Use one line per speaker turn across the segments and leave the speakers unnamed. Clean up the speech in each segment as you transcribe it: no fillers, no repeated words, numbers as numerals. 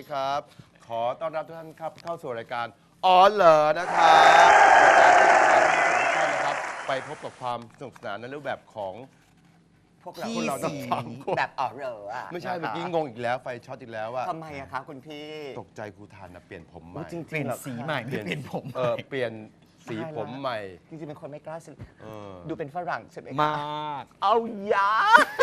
ครับ ขอต้อนรับทุกท่านครับเข้าสู่รายการอ๋อเหรอนะครับรายการที่จะพาทุกท่านนะครับไปพบกับความสนุกสนานในรูปแบบของพวกเราทั้งสามคน
แบบอ๋อเหรออ่ะ
ไม่ใช่เมื่อกี้งงอีกแล้วไฟช็อตอีกแล้วว่า
ทำไมอะคะคุณพี่
ตกใจครูทานนะเปลี่ยนผมใหม่
จริง
เปลี่ยนสีใหม่ไม่เปลี่ยนผม
เปลี่ยนสีผมใหม่
จริงๆเป็นคนไม่กล้าซื้อ
เออ
ดูเป็นฝรั่งใช่ไหมคะ
มาก
เอายา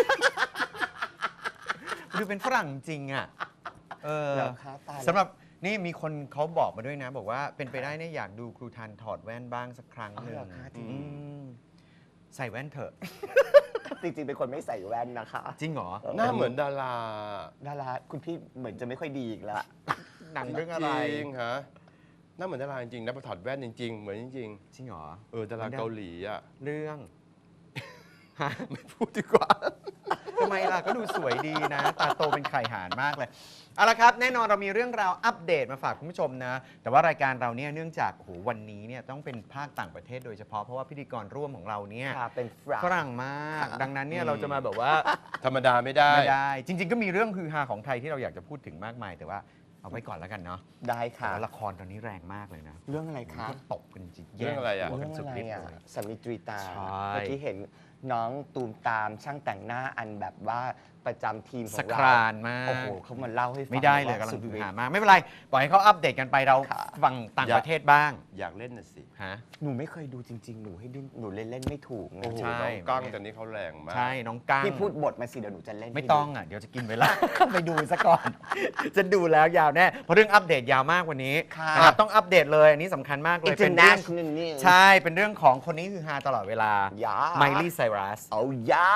ดูเป็นฝรั่งจริงอ่ะ
เหรอคะตายแล้ว
สำหรับนี่มีคนเขาบอกมาด้วยนะ บอกว่าเป็นไปได้เนี่ยอยากดูครูทันถอดแว่นบ้างสักครั้งหนึ่ง
อ๋อเหรอคะจริง
อืมใส่แว่นเถอะ
จริงๆเป็นคนไม่ใส่แว่นนะคะ
จริงเหรอ
หน้าเหมือนดารา
ดาราคุณพี่เหมือนจะไม่ค่อยดีอีกแล้ว
หนังเรื่องอะไร
จริงฮะหน้าเหมือนดาราจริงๆนะพอถอดแว่นจริงๆ เหมือนจริง
จริงเหรอ
ๆดาราเกาหลีอ่ะ
เรื่อง
ไม่พูดดีกว่า
ทำไมล่ะก็ดูสวยดีนะ ตาโตเป็นไข่หานมากเลยเอาละครับ แน่นอนเรามีเรื่องราวอัปเดตมาฝากคุณผู้ชมนะ แต่ว่ารายการเราเนี่ยเนื่องจากโอ้โหวันนี้เนี่ยต้องเป็นภาคต่างประเทศโดยเฉพาะเพราะว่าพิธีกรร่วมของเราเนี่ย
ค่ะเป็นฝรั่ง
ฝรั่งมาก ดังนั้นเนี่ยเราจะมาแบบว่า
ธรรมดาไม่ได้
ไม่ได้ จริง ๆ ก็มีเรื่องฮือฮาของไทยที่เราอยากจะพูดถึงมากมาย แต่ว่าเอาไว้ก่อนแล้วกันเนาะ
ได้
แต่
ค่ะ
ว่าละครตอนนี้แรงมากเลยนะ
เรื่องอะไรคะ
ก็ตบกันจริง
เรื่องอะไรอะ
แย่ง
เรื่อง
กันสุด
อะไร
ฤทธิ์
อ่ะ
เลย
สามีตรีตา
ใช่
เมื่อกี้เห็นน้องตูมตามช่างแต่งหน้าอันแบบว่าประจำทีมข
ส
อง
ค
เรา
รานมาก
โอ้โหเขามาเล่าให้ฟัง
ไม่ได้เลย
ว่าก
ำลั
สุ
ง
ด
ฮือ
ฤท
ฮา
ธิ์
มากไม่เป็นไรปล่อยให้เขาอัปเดตกันไปเรา
ค่ะ
ฟังต่างประเทศบ้าง
อยากเล่นน่ะสิ
ฮะ
หนูไม่เคยดูจริง ๆ หนูให้ดิ้นหนูเล่นไม่ถูกไง
โอ้โห
ใช่
น้องกั้งตอนนี้เขาแรงมาก
ใช่น้องกั้ง
พี่พูดบทมาสิเดี๋ยวหนูจะเล่น
ไม่
ให้
ต้อง
ดู
อ่ะเดี๋ยวจะกินเวลา ไปดูซะก่อน จะดูแล้วยาวแน่เพราะเรื่องอัปเดตยาวมากวันนี้
ค่ะ
นะครับต้องอัปเดตเลยอันนี้สำคัญมากเลยเป็นเรื่อง
International News
ใช่เป็นเรื่องของคนนี้คือฮาตลอดเวลา
อย่า
ไมลี่ไซรัส
เอายา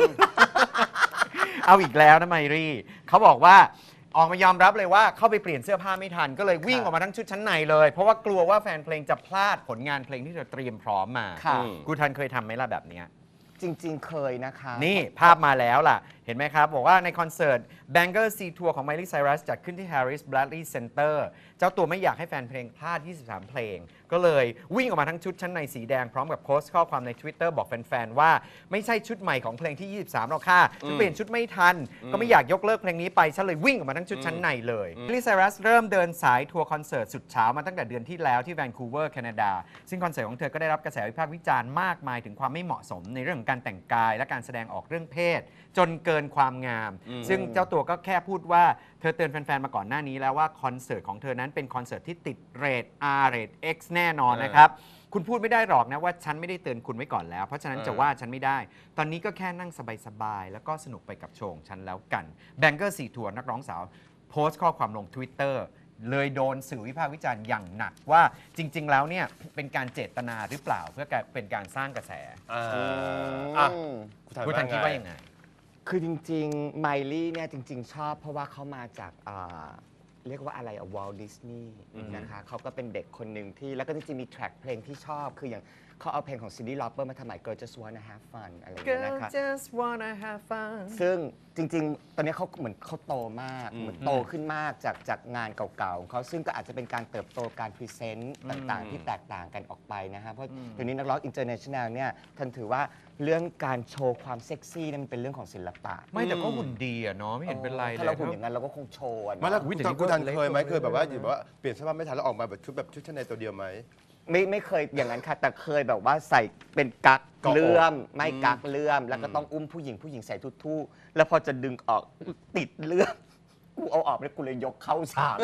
เอาอีกแล้วนะไมลี่เขาบอกว่าออกมายอมรับเลยว่าเข้าไปเปลี่ยนเสื้อผ้าไม่ทัน ก็เลยวิ่ง
ค่ะ
ออกมาทั้งชุดชั้นในเลย เพราะว่ากลัวว่าแฟนเพลงจะพลาดผลงานเพลงที่เธอเตรียมพร้อมมา
ค่ะ
กูทันเคยทำไหมล่ะแบบเนี้ย
จริง ๆ เคยนะคะ
นี่ภาพมาแล้วล่ะ เห็นไหมครับ บอกว่าในคอนเสิร์ต Banger Sea Tour ของ Miley Cyrus จัดขึ้นที่ Harris Bradley Center เจ้าตัวไม่อยากให้แฟนเพลงพลาด 23 เพลง ก็เลยวิ่งออกมาทั้งชุดชั้นในสีแดง พร้อมกับโพสต์ข้อความใน Twitter บอกแฟนๆ ว่าไม่ใช่ชุดใหม่ของเพลงที่ 23 หรอกค่ะฉันเปลี่ยนชุดไม่ทัน ก็ไม่อยากยกเลิกเพลงนี้ไป ฉันเลยวิ่งออกมาทั้งชุดชั้นในเลย Miley Cyrus เริ่มเดินสายทัวร์คอนเสิร์ตสุดเช้ามาตั้งแต่เดือนที่แล้วที่แวนคูเวอร์แคนาดาซึ่งคอนเสิร์ตของเธอก็ได้รับกระแสวิพากษ์วิจารณ์มากมายถึงความไม่เหมาะสมในเรื่องของการแต่งกายและการแสดงออกเรื่องเพศ จนเกินความงาม ซึ่งเจ้าตัวก็แค่พูดว่าเธอเตือนแฟนๆ มาก่อนหน้านี้แล้วว่าคอนเสิร์ตของเธอนั้นเป็นคอนเสิร์ตที่ติดเรท R เรท X แน่นอนนะครับ คุณพูดไม่ได้หรอกนะว่าฉันไม่ได้เตือนคุณไว้ก่อนแล้ว เพราะฉะนั้นจะว่าฉันไม่ได้ ตอนนี้ก็แค่นั่งสบายๆ แล้วก็สนุกไปกับโชว์ของฉันแล้วกัน Banger Sea Tour นักร้องสาวโพสต์ข้อความลง Twitter เลยโดนสื่อวิพากษ์วิจารณ์อย่างหนักว่าจริง ๆ แล้วเนี่ยเป็นการเจตนาหรือเปล่าเพื่อเป็นการสร้างกระแส
อ่ะ
คุณทันคิดว่ายังไง
คือจริงๆไมลี่เนี่ยจริง ๆ ชอบเพราะว่าเขามาจากเรียกว่าอะไรวอลดิสนีย์นะคะเขาก็เป็นเด็กคนหนึ่งที่แล้วก็จริงๆมีแทร็กเพลงที่ชอบ คืออย่างเขาเอาเพลงของซินดี้ลอปเปอร์มาทำใหม่ Girl Just Wanna Have Fun อะไรอย่างเงี้ย
Girl
นะคะ
just wanna have fun
ซึ่งจริง ๆ ตอนนี้เขาเหมือนเขาโตมากเหมือนโตขึ้นมากจากงานเก่าๆของเขาซึ่งก็อาจจะเป็นการเติบโตการพรีเซนต์ต่างๆ ที่แตกต่างกันออกไปนะฮะเพราะเดี๋ยวนี้นักร้องอินเตอร์เนชั่นแนลเนี่ยท่านถือว่าเรื่องการโชว์ความเซ็กซี่เนี่ยมันเป็นเรื่องของศิลปะ
ไม่แต่ก็หุ่นดีอะเนาะไม่เห็นเป็นไรเลย
ถ้าเราหุ่นอย่างนั้นเราก็คงโชว์อะเนอะ
มาแล้ว
อุ๊ยแต่นี่
คุณทัน
ก็เล็ก
เคยไหม
กว่า
เคยแบบว่า
เดิม
อยู่แบบว่าเปลี่ยนเสื้อผ้าไม่ทันแล้วออกมาแบบชุดชั้นในตัวเดียวไหม
ไม่เคยอย่างนั้นค่ะ แต่เคยแบบว่าใส่เป็นกั๊ก
เกาะอก
เลื่อมไม่กั๊กเลื่อม แล้วก็ต้องอุ้มผู้หญิงใส่ทู่ๆแล้วพอจะดึงออกติดเลื่อมกูเอาออกแล้วกูเลยยกเข้าฉาก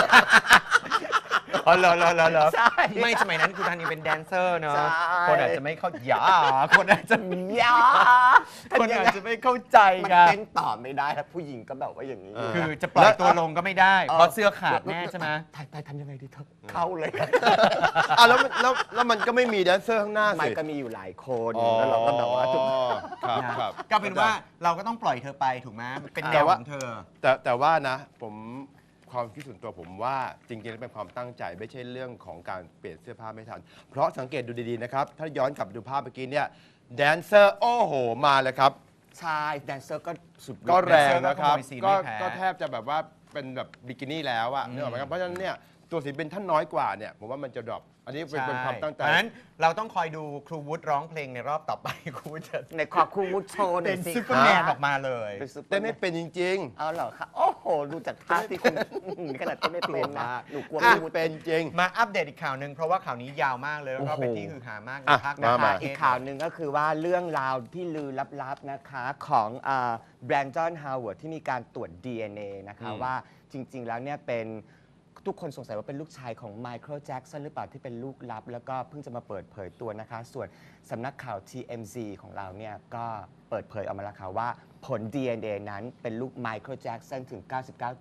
อ๋อเหรอ
ใช่
ไม่สมัยนั้นคุณทันยังเป็นแดนเซอร์เนาะ
ใช่
คนอาจจะไม่เข้าใจคนอาจจะ
ยา
คนอาจจะไม่เข้าใจ
มัน
กัน
เต้นต่อไม่ได้ครับผู้หญิงก็แบบว่าอย่างนี้
คือจะปล่อยตัวลงก็ไม่ได้ เพราะเสื้อขาดแน่ใช่ไหม
ไทยทำยังไงดีเธอเข้าเลย
อ่ะแล้วมันก็ไม่มีแดนเซอร์ข้างหน้า
ไม่
สิ
ก็มีอยู่หลายคนแล้วเราก็แบบว่าทุก
ครับ
ก็เป็นว่าเราก็ต้องปล่อยเธอไปถูกไหมเป็นแนวของเธอ
แต่ว่านะผมความคิดส่วนตัวผมว่าจริงๆแล้วเป็นความตั้งใจไม่ใช่เรื่องของการเปลี่ยนเสื้อผ้าไม่ทัน เพราะสังเกตดูดีๆนะครับ ถ้าย้อนกลับไปดูภาพเมื่อกี้เนี่ยแดนเซอร์โอ้โหมาเลยครับ
ใช่แดนเซอร์ก็สุด
ก็แรงนะครับ
แดนเซอร์ก็ขโมยซีน
ก็
ไม่แพ้
ก็แทบจะแบบว่าเป็นแบบบิกินี่แล้วอะนึกออกไหมครับเพราะฉะนั้นเนี่ยตัวศิลปินท่านน้อยกว่าเนี่ยผมว่ามันจะดรอปอันนี้เป็นความตั้งใจ
เพราะฉะนั้นเราต้องคอยดูครูวุฒิร้องเพลงในรอบต่อไป ครูวุฒิจะ
ในขอบคู่มุดโชว์หน่
เป็
อย
น
สิ
ซูเปอร์แมนออกมาเลย
เป็นซุปเปอ
เต้น
ร์แม
ไม่
น
เป็นจริง
เอาเหรอคะโอ้โหโหดูจากท่าที่คุณขนาดที่ไม่เป็นนะหนูกลัว
อ่ะ
ไม่รู้
เป็นจริง
มาอัปเดตอีกข่าวหนึ่งเพราะว่าข่าวนี้ยาวมากเลยแล้วก็
โอ้โห
เป็นที่ฮือฮามากใน
อ่ะ
ภาค
มา
ภาค
อีก
เส
ข่าวหนึ่งก็คือว่าเรื่องราวที่ลือลับๆนะคะของแบรนดอนฮาวเวิร์ดที่มีการตรวจ DNA นะคะ
อืม
ว่าจริง ๆ แล้วเนี่ยเป็นทุกคนสงสัยว่าเป็นลูกชายของไมเคิลแจ็กสันหรือเปล่าที่เป็นลูกลับ แล้วก็เพิ่งจะมาเปิดเผยตัวนะคะ ส่วนสำนักข่าว TMZ ของเราเนี่ยก็เปิดเผยออกมาแล้วค่ะว่าผล DNA นั้นเป็นลูกไมเคิลแจ็กสันถึง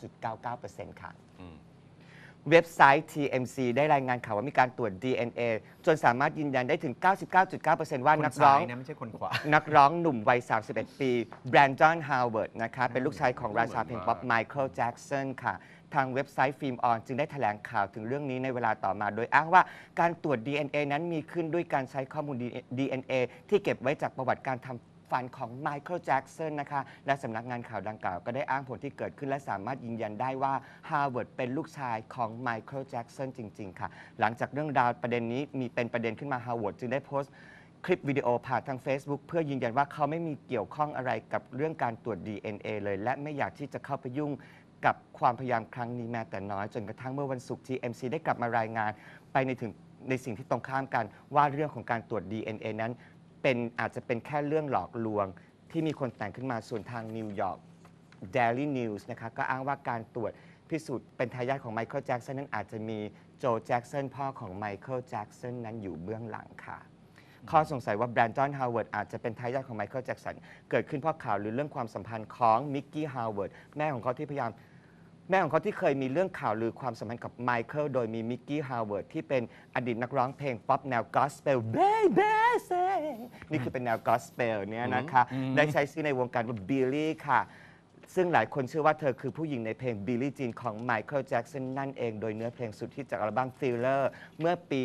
99.99% ค่ะ
อืม
เว็บไซต์ TMZ ได้รายงานข่าวว่ามีการตรวจ DNA จนสามารถยืนยันได้ถึง 99.9% ว่า
คน
นักร้อง
ซ้ายนะไม่ใช่คนขวา
นักร้องหนุ่มวัย 31 ปีแบรนดอนฮาวเวิร์ดนะคะเป็นลูกชายของราชาเพลงป๊อปไมเคิลแจ็กสันค่ะ ทางเว็บไซต์ฟิล์มออนจึงได้แถลงข่าวถึงเรื่องนี้ในเวลาต่อมา โดยอ้างว่าการตรวจ DNA นั้นมีขึ้นด้วยการใช้ข้อมูล DNA ที่เก็บไว้จากประวัติการทำฟันของไมเคิลแจ็กสันนะคะและสำนักงานข่าวดังกล่าวก็ได้อ้างผลที่เกิดขึ้นและสามารถยืนยันได้ว่าฮาวเวิร์ดเป็นลูกชายของไมเคิลแจ็กสันจริง ๆ ค่ะ หลังจากเรื่องราวประเด็นนี้มีเป็นประเด็นขึ้นมาฮาวเวิร์ดจึงได้โพสต์คลิปวิดีโอผ่านทาง Facebook เพื่อยืนยันว่าเขาไม่มีเกี่ยวข้องอะไรกับเรื่องการตรวจ DNA เลยและไม่อยากที่จะเข้าไปยุ่งกับความพยายามครั้งนี้แม้แต่น้อยจนกระทั่งเมื่อวันศุกร์ TMZ ได้กลับมารายงานไปในสิ่งที่ตรงข้ามกันว่าเรื่องของการตรวจ DNA นั้นอาจจะเป็นแค่เรื่องหลอกลวงที่มีคนแต่งขึ้นมาส่วนทางนิวยอร์ก Daily News นะคะก็อ้างว่าการตรวจพิสูจน์เป็นทายาทของไมเคิลแจ็กสันนั้นอาจจะมีโจแจ็กสันพ่อของไมเคิลแจ็กสันนั้นอยู่เบื้องหลังค่ะ ข้อสงสัยว่าแบรนดอนฮาวเวิร์ดอาจจะเป็นทายาทของไมเคิลแจ็กสันเกิดขึ้นเพราะข่าวหรือเรื่องความสัมพันธ์ของมิกกี้ฮาวเวิร์ดแม่ของเขาที่เคยมีเรื่องข่าวลือความสัมพันธ์กับไมเคิลโดยมีมิกกี้ฮาวเวิร์ดที่เป็นอดีตนักร้องเพลงป๊อปแนวกอสเปล Baby Say นี่คือเป็นแนวกอสเปลเนี่ยนะคะได้ใช้ชื่อในวงการว่าบิลลี่ค่ะ ซึ่งหลายคนเชื่อว่าเธอคือผู้หญิงในเพลง Billie Jean ของไมเคิลแจ็กสันนั่นเองโดยเนื้อเพลงสุดฮิตจากอัลบั้ม Thriller เมื่อปี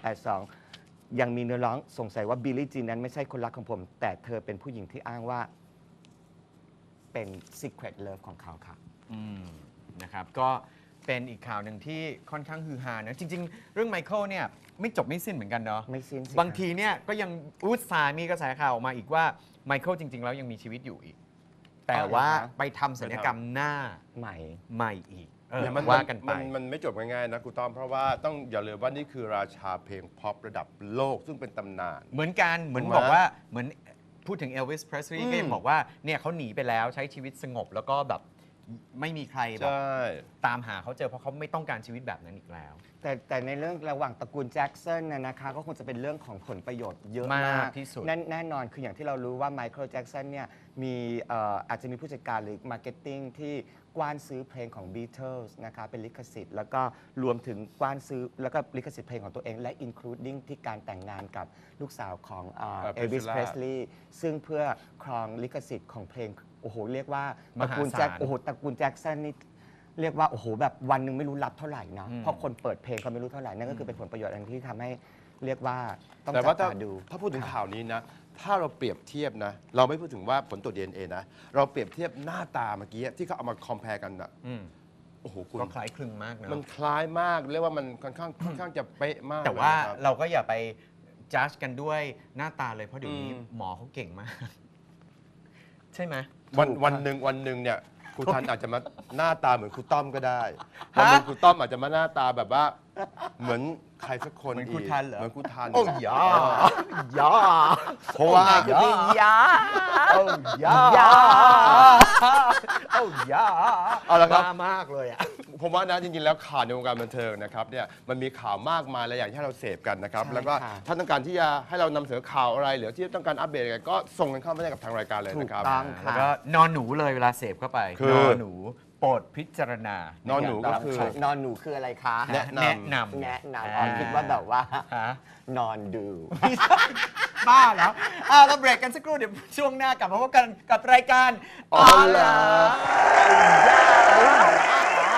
1982 ยังมีเนื้อร้องสงสัยว่า Billie Jean นั้นไม่ใช่คนรักของผม แต่เธอเป็นผู้หญิงที่อ้างว่าเป็น Secret Love ของเขาค่ะ
นะครับก็เป็นอีกข่าวหนึ่งที่ค่อนข้างฮือฮานะจริง ๆ เรื่องไมเคิลเนี่ยไม่จบไม่สิ้นเหมือนกันเนาะ
ไม่สิ้นสิ
บางทีเนี่ยก็ยังอุตส่าห์มีกระแสข่าวออกมาอีกว่าไมเคิลจริง ๆ แล้วยังมีชีวิตอยู่อีก แต่ว่าไปทำศัลยกรรมหน้า
ใหม่
ใหม่อีก
แต่มัน
ว่ากันไป
มันไม่จบง่ายๆนะกูต้อมเพราะว่าต้องอย่าลืมว่านี่คือราชาเพลงพ็อประดับโลกซึ่งเป็นตำนาน
เหมือนกันเหมือน
ถูกไหม
บอกว่าเหมือนพูดถึงเอลวิสเพรสลีย์
อืม
ก็ยังบอกว่าเนี่ยเขาหนีไปแล้วใช้ชีวิตสงบแล้วก็แบบไม่มีใครแบบ
ใช่
ตามหาเขาเจอเพราะเขาไม่ต้องการชีวิตแบบนั้นอีกแล้ว
แต่ในเรื่องระหว่างตระกูลแจ็คสันนะคะก็คงจะเป็นเรื่องของผลประโยชน์เยอะ
มาม
าก ก
ที่สุด
แน่นอนคืออย่างที่เรารู้ว่าไมเคิลแจ็คสันเนี่ยมีอาจจะมีผู้จัดการหรือมาร์เก็ตติ้งที่กว้านซื้อเพลงของ Beatles นะคะเป็นลิขสิทธิ์แล้วก็รวมถึงกว้านซื้อแล้วก็ลิขสิทธิ์เพลงของตัวเองและ including ที่การแต่งงานกับลูกสาวของเอลวิส
Priscilla
เพรสลีย์ซึ่งเพื่อครองลิขสิทธิ์ของเพลงโอ้โหเรียกว่าต
ม
ระ
หา
กูล
ศาล
แจ็คโอ้โหตระกูลแจ็คสันนี่ เรียกว่าโอ้โหแบบวันหนึ่งไม่รู้รับเท่าไหร่นะ
อืม
เพราะคนเปิดเพลงก็ไม่รู้เท่าไหร่นั่นก็คือเป็นผลประโยชน์อันที่ทำให้เรียกว่าต้อง
แต่
จั
ว่า
บ
ถ้า
ตาดู
ถ้าพูดถึงข่าวนี้นะ ถ้าเราเปรียบเทียบนะ เราไม่พูดถึงว่าผลตรวจ DNA นะ เราเปรียบเทียบหน้าตาเมื่อกี้ที่เขาเอามาคอมเพลกันอะ
อืม
โอ้โหคุณ
ก็คล้ายคลึงมากนะ
มันคล้ายมากเรียกว่ามันค่อนข้างจะเป๊ะมาก
แต่ว่า
เลยนะครับ
เราก็อย่าไปจัดกันด้วยหน้าตาเลยเพราะเดี๋ยวนี้
อืม
หมอเขาเก่งมาก ใช่ไหม
วันหนึ่งเนี่ยครูทันอาจจะมาหน้าตาเหมือนครูต้อมก็ได้วันหนึงครูต้อมอาจจะมาหน้าตาแบบว่า เหมือนใครสักคน
เหมือนครู
ก
ทันเหรอ
เหมือนครูทัน
โอ้ยา ยา
เพราะว่า
ยา
โอ้ยา
ยา
โอ้ยา
เอาละครับ
มากเลยอ่ะ
ผมว่านะจริงๆแล้วข่าวในวงการบันเทิงนะครับเนี่ยมันมีข่าวมากมายหลายอย่างที่ให้เราเสพกันนะครับ
ใช่
แล้วก็
ค่ะ
ถ้าต้องการที่จะให้เรานำเสนอข่าวอะไรหรือที่ต้องการอัปเดตอะไรก็ส่งกันเข้ามาได้กับทางรายการเลย
ถูก
นะครับ
ต้อง
แล้ว
ค่ะ
ก็นอนหนูเลยเวลาเสพเข้าไป
คือ
นอนหนูโปรดพิจารณาน
อนหนูก็คือ
นอนหนูคืออะไรคะ
แนะนำ
แนะนำ
แนะนำอ๋อคิดว่าแบบว่า
ฮะ
นอนดู
บ้าแล้วเราเบรกกันสักครู่เดี๋ยวช่วงหน้ากลับมาพบกันกับรายการ
อ๋อเหรอ